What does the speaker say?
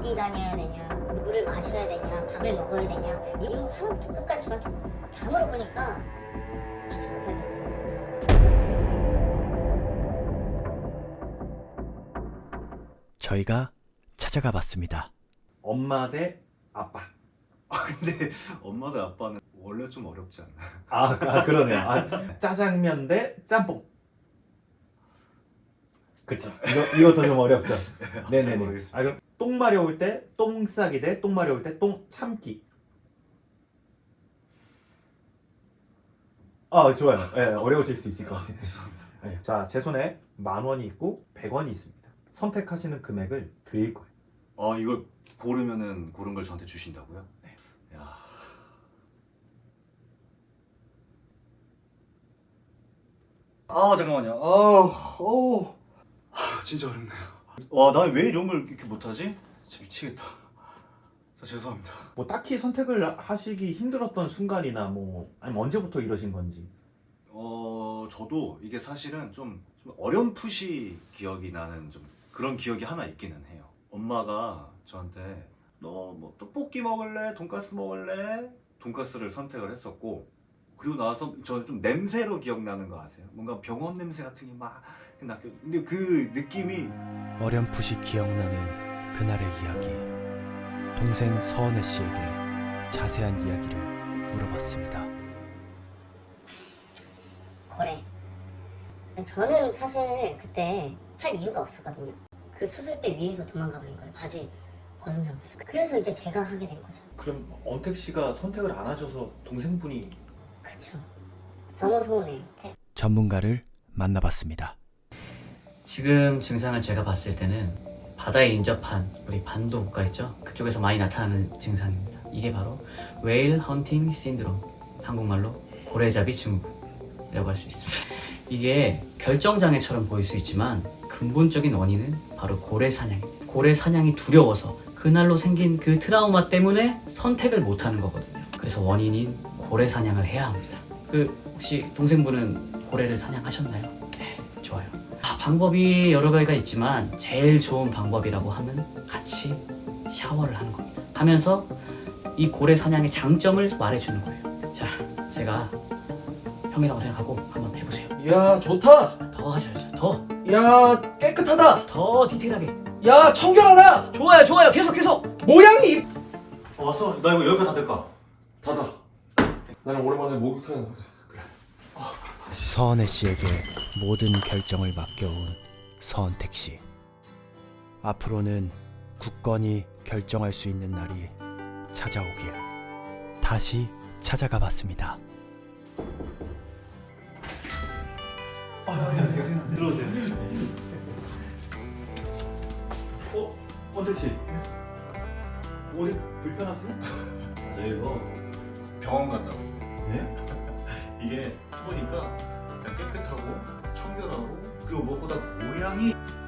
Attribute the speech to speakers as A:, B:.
A: 어디 다녀야 되냐, 물을 마셔야 되냐, 밥을 먹어야 되냐, 이런 거 하나부터 끝까지 저한테 다 물어보니까 같이 못 살겠어요.
B: 저희가 찾아가 봤습니다.
C: 엄마 대 아빠.
D: 근데 엄마도 아빠는 원래 좀 어렵지 않나요?
C: 그러네요. 짜장면 대 짬뽕. 그쵸. 이것도 좀 어렵죠.
D: 잘
C: 네네네.
D: 모르겠습니다.
C: 그럼 똥 마려울 때 똥 싸기 대 똥 마려울 때 똥 참기. 좋아요. 네, 어려우실 수 있을 것 같아요.
D: 죄송합니다.
C: 네, 자, 제 손에 10,000원이 있고 100원이 있습니다. 선택하시는 금액을 드릴 거예요.
D: 이걸 고르면은 고른 걸 저한테 주신다고요?
C: 네.
D: 야. 잠깐만요. 진짜 어렵네요. 와, 나 왜 이런 걸 이렇게 못하지? 진짜 미치겠다. 죄송합니다.
C: 뭐 딱히 선택을 하시기 힘들었던 순간이나 아니면 언제부터 이러신 건지.
D: 저도 이게 사실은 좀 어렴풋이 기억이 나는 좀 그런 기억이 하나 있기는 해요. 엄마가 저한테 너 뭐 떡볶이 먹을래? 돈가스 먹을래? 돈가스를 선택을 했었고, 그리고 나서 저는 좀 냄새로 기억나는 거 아세요? 뭔가 병원 냄새 같은 게 막 났고, 근데 그 느낌이
B: 어렴풋이 기억나는 그날의 이야기. 동생 서은혜 씨에게 자세한 이야기를 물어봤습니다.
A: 고래. 저는 사실 그때 할 이유가 없었거든요. 그 수술대 위에서 도망가 버린 거예요. 바지 벗은 상태로. 그래서 이제 제가 하게 된 거죠.
C: 그럼 언택 씨가 선택을 안 하셔서 동생분이
A: 그쵸. 너무 서운해.
B: 전문가를 만나봤습니다.
E: 지금 증상을 제가 봤을 때는 바다에 인접한 우리 반도 국가 있죠? 그쪽에서 많이 나타나는 증상입니다. 이게 바로 웨일 헌팅 신드롬, 한국말로 고래잡이 증후군이라고 할 수 있습니다. 이게 결정장애처럼 보일 수 있지만 근본적인 원인은 바로 고래 사냥입니다. 고래 사냥이 두려워서 그날로 생긴 그 트라우마 때문에 선택을 못하는 거거든요. 그래서 원인인 고래 사냥을 해야 합니다. 혹시 동생분은 고래를 사냥하셨나요? 네, 좋아요. 방법이 여러 가지가 있지만 제일 좋은 방법이라고 하면 같이 샤워를 하는 겁니다. 하면서 이 고래 사냥의 장점을 말해주는 거예요. 자, 제가 형이라고 생각하고 한번 해보세요.
F: 야, 좋다.
E: 더 하셔야죠. 더
F: 야, 깨끗하다.
E: 디테일하게.
F: 야, 청결하다.
E: 좋아요. 계속.
F: 모양이
D: 왔어? 나 이거 여기까지 다 될까?
F: 닫아. 나는 오랜만에 목욕탕에 가자.
B: 서은혜 씨에게 모든 결정을 맡겨온 서은택 씨. 앞으로는 굳건히 결정할 수 있는 날이 찾아오길. 다시 찾아가 봤습니다.
C: 들어오세요. 언택 씨. 어디 불편하세요?
D: 저 이거 병원 갔다 왔어요.
C: 네?
D: 이게 해보니까 일단 깨끗하고 청결하고, 그리고 무엇보다 모양이